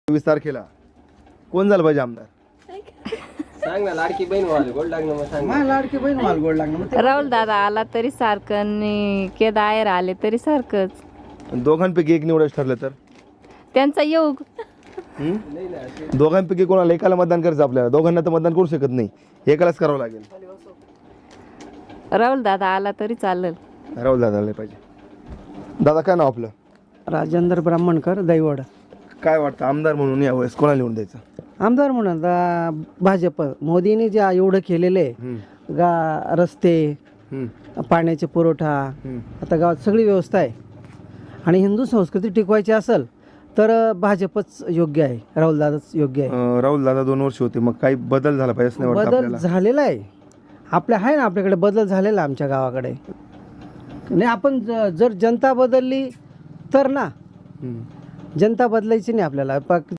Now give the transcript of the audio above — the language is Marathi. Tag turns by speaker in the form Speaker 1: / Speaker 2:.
Speaker 1: 24 तारखेला कोण झालं पाहिजे आमदार?
Speaker 2: सांग ना, लाडकी बहीण व्हायला गोड लागणं, मग सांग.
Speaker 3: मला लाडकी बहीण व्हायला गोड लागणं.
Speaker 4: राहुल दादा आला तरी सारखं आणि केदार आले तरी सारखंच.
Speaker 1: दोघांपैकी एक निवडायचं ठरलं तर
Speaker 4: त्यांचा योग.
Speaker 1: दोघांपैकी कोणाला एकाला मतदान करायचं आपल्याला? दोघांना तर मतदान करू शकत नाही, एकालाच करावं लागेल.
Speaker 4: राहुल दादा आला तरी चालेल.
Speaker 1: राहुल दादाला पाहिजे. दादा काय नाव आपलं?
Speaker 3: राजेंद्र ब्राह्मणकर दैवड.
Speaker 1: काय वाटतं आमदार म्हणून यावेळेस कोणाला निवडून द्यायचं?
Speaker 3: आमदार म्हणून भाजप. मोदींनी जे एवढं केलेले रस्ते, पाण्याचे पुरवठा, आता गावात सगळी व्यवस्था आहे आणि हिंदू संस्कृती टिकवायची असेल तर भाजपच योग्य आहे, राहुल दादाच योग्य आहे.
Speaker 1: राहुल दादा 2 वर्ष होते, मग काही बदल झाला पाहिजे असं नाही वाटतं
Speaker 3: बदल
Speaker 1: आपल्याला?
Speaker 3: झालेला आहे आहे ना आपल्याकडे बदल झालेला आमच्या गावाकडे. नाही आपण जर जनता बदलली तर ना, जनता बदलायची नाही आपल्याला.